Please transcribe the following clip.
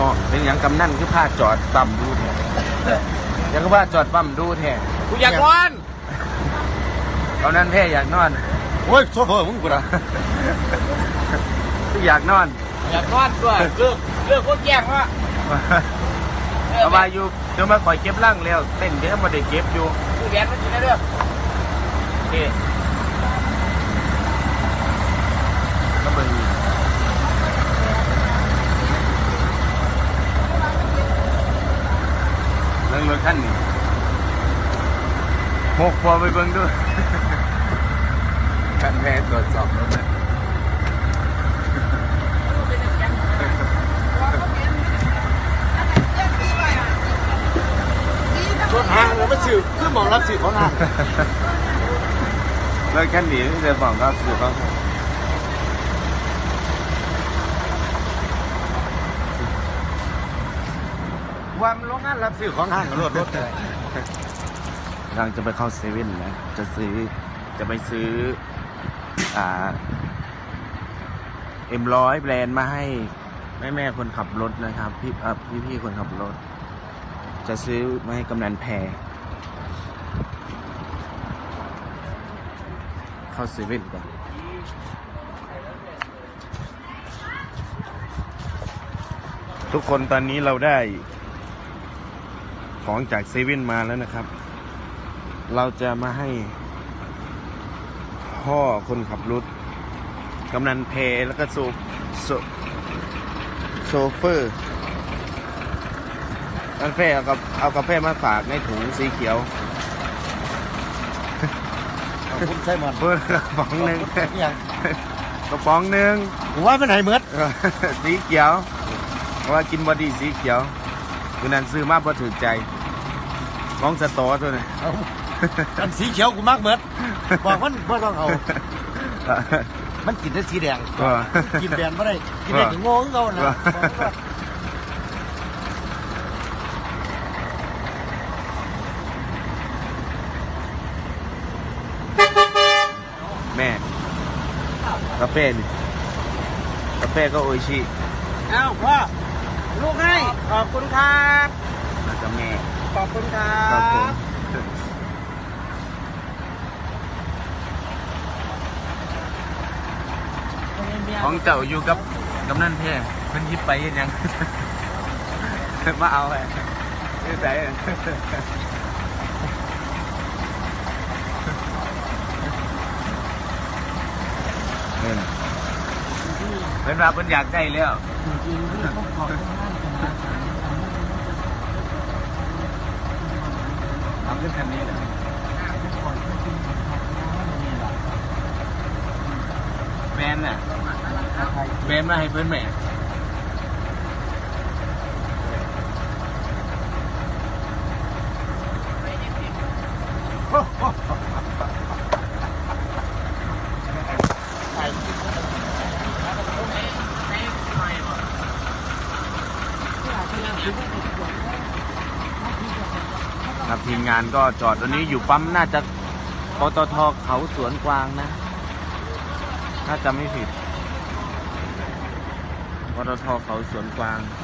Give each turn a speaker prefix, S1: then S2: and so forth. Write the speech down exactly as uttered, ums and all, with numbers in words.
S1: นาะเป็นอย่างกำนั่นคือผ้าจอดปั๊มดูแท้ยังก็ว่าจอดปั๊มดูแท้กูอยากนอนเอานั่นแท้อยากนอน
S2: โอ้ยโซเฟอร์มึงกูนะ
S1: กูอยากนอน
S3: อยากนอนด้วยเลือกเลือกโคตรแย่งว่ะ
S1: เอามาอยู่เดี๋ยวมาคอยเก็บร่างแล้วเต้นเดี๋ยวมาได้เก็บอยู่
S3: คือแดนมันอยู่ในเรื่อง
S1: โอเคก็เบิ่งเรื่องรถคันนี้หกพอไปเบิ่งด้วยคันแพ้ตรวจสอบรถนะ
S2: รถห้างเราไม่สื่อคือมองรับสื่อของห้าง
S1: แล้วแค่นี้เดี๋ยวบอกรับสื่อเขา
S2: วันโรงงานรับสื่อของห้างรถรถเลย
S1: กำลังจะไปเข้าเซเว่นนะจะซื้อจะไปซื้ออ่าเอ็มร้อยแบรนด์มาให้แม่แม่คนขับรถนะครับพี่อ่าพี่พี่คนขับรถจะซื้อมาให้กำนันแพรเข้าเซเว่นก่อนทุกคนตอนนี้เราได้ของจากเซเว่นมาแล้วนะครับเราจะมาให้พ่อคนขับรถกำนันแพรแล้วก็โซโซโซเฟอร์กาแฟเอากับเอากาแฟมาฝากในถุงสีเขียว
S2: คุณใช่หมด
S1: เพื่อกระป๋องหนึ่งกระป๋องหนึ่ง
S2: ผมว่าเป็นไหเหมือน
S1: สีเขียวเพราะว่ากินบอดี้สีเขียวคือนั้นซื้อมาพอถือใจมองสตอตัวนี้
S2: อันสีเขียวกูมากเหมือนบอกมันว่าต้องเอามันกินได้สีแดงกินแบนไม่ได้กินได้ถึงโง่เขานะ
S1: แม่กาแฟนี่กาแฟก็โออิชิ
S3: เอ้าพ่อลูกให้ขอบคุณครับ
S1: แล้วก็แม่
S3: ขอบคุณครับ
S1: ของเจ้าอยู่กับกำนันแพรเพิ่นยิบไปยังมาเอาไปนี่ใส่เพิ่นเพิ่นว่าเพิ่นอยากได้แล้วทำขึ้นคันนี้เลยแบนน่ะแบนมาให้เพื่อนแม่ครับทีมงานก็จอดตอนนี้อยู่ปั๊มน่าจะปตท.เขาสวนกวางนะถ้าจำไม่ผิดปตท.เขาสวนกวาง